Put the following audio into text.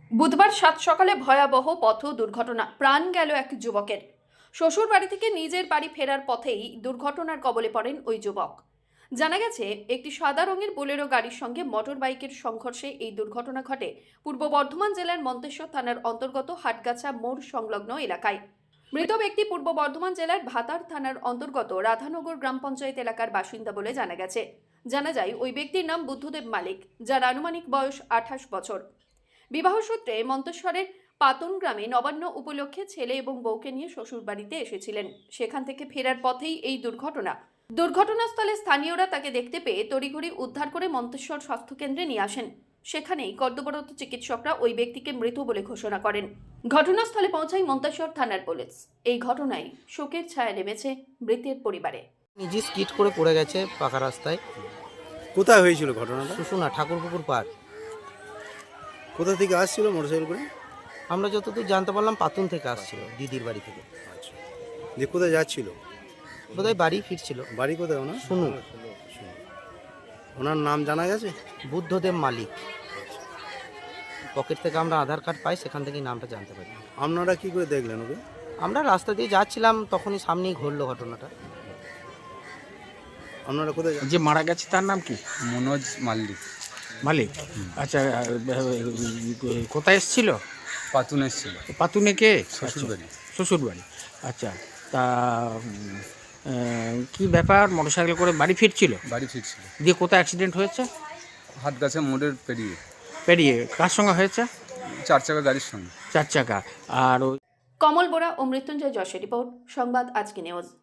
বুধবার সাত সকালে ভয়াবহ পথ দুর্ঘটনা, প্রাণ গেল এক যুবকের। শ্বশুর বাড়ি থেকে নিজের বাড়ি ফেরার পথেই দুর্ঘটনার কবলে পড়েন ওই যুবক। জানা গেছে, একটি সাদা রঙের বোলেরো গাড়ির সঙ্গে মোটর বাইকের সংঘর্ষে এই দুর্ঘটনা ঘটে পূর্ব বর্ধমান জেলার মন্তেশ্বর থানার অন্তর্গত হাটগাছা মোড় সংলগ্ন এলাকায়। মৃত ব্যক্তি পূর্ব বর্ধমান জেলার ভাতার থানার অন্তর্গত রাধানগর গ্রাম পঞ্চায়েত এলাকার বাসিন্দা বলে জানা গেছে। জানা যায়, ওই ব্যক্তির নাম বুদ্ধদেব মালিক, যার আনুমানিক বয়স 28 বছর। বিবাহ সূত্রে মন্তেশ্বরের পাতন গ্রামে নবান্ন উপলক্ষে ছেলে এবং বউকে নিয়ে শ্বশুর বাড়িতে এসেছিলেন। সেখান থেকে ফেরার পথেই এই দুর্ঘটনাস্থলে স্থানীয়রা তাকে দেখতে পেয়ে তড়িঘড়ি উদ্ধার করে মন্তেশ্বর স্বাস্থ্যকেন্দ্রে নিয়ে আসেন। সেখানেই কর্তব্যরত চিকিৎসকরা ওই ব্যক্তিকে মৃত বলে ঘোষণা করেন। ঘটনাস্থলে পৌঁছায় মন্তেশ্বর থানার পুলিশ। এই ঘটনায় শোকের ছায়া নেমেছে মৃতের পরিবারে। নিজে স্কিট করে পড়ে গেছে পাকা রাস্তায়। কোথায় হয়েছিল ঘটনাটা? শুশুনা ঠাকুরপুকুর পার। কোথা থেকে আসছিল মোটরসাইকেল করে? আমরা যতদূর জানতে পারলাম পাতুন থেকে আসছিল, দিদির বাড়ি থেকে। আচ্ছা, যে কোথায় যাচ্ছিল? বোধহয় বাড়ি ফিরছিল। বাড়ি কোথায় ওনার? শুনু। ওনার নাম জানা গেছে? বুদ্ধদেব মালিক। পকেট থেকে আমরা আধার কার্ড পাই, সেখান থেকেই নামটা জানতে পারি। আপনারা কি করে দেখলেন ওকে? আমরা রাস্তা দিয়ে যাচ্ছিলাম, তখনই সামনেই ঘটলো ঘটনাটা। আপনারা কোথায় যে মারা গেছে তার নাম কি? মনোজ মাল্লিক। মালিক। আচ্ছা, কোথায় এসেছিল? পাতুন এসেছিল, পাতুনে কে? শ্বশুরবাড়ি। শ্বশুর বাড়ি। আচ্ছা, তা কি ব্যাপার, মোটরসাইকেল করে বাড়ি ফিরছিল? বাড়ি ফিরছিল, দিয়ে কোথায় অ্যাক্সিডেন্ট হয়েছে? হাটগাছা মোড়ের পেরিয়ে পেরিয়ে কার সঙ্গে হয়েছে? 4 চাকা গাড়ির সঙ্গে। 4 চাকা। আর কমল বোরা ও মৃত্যুঞ্জয় যশের রিপোর্ট, সংবাদ আজকে নিউজ।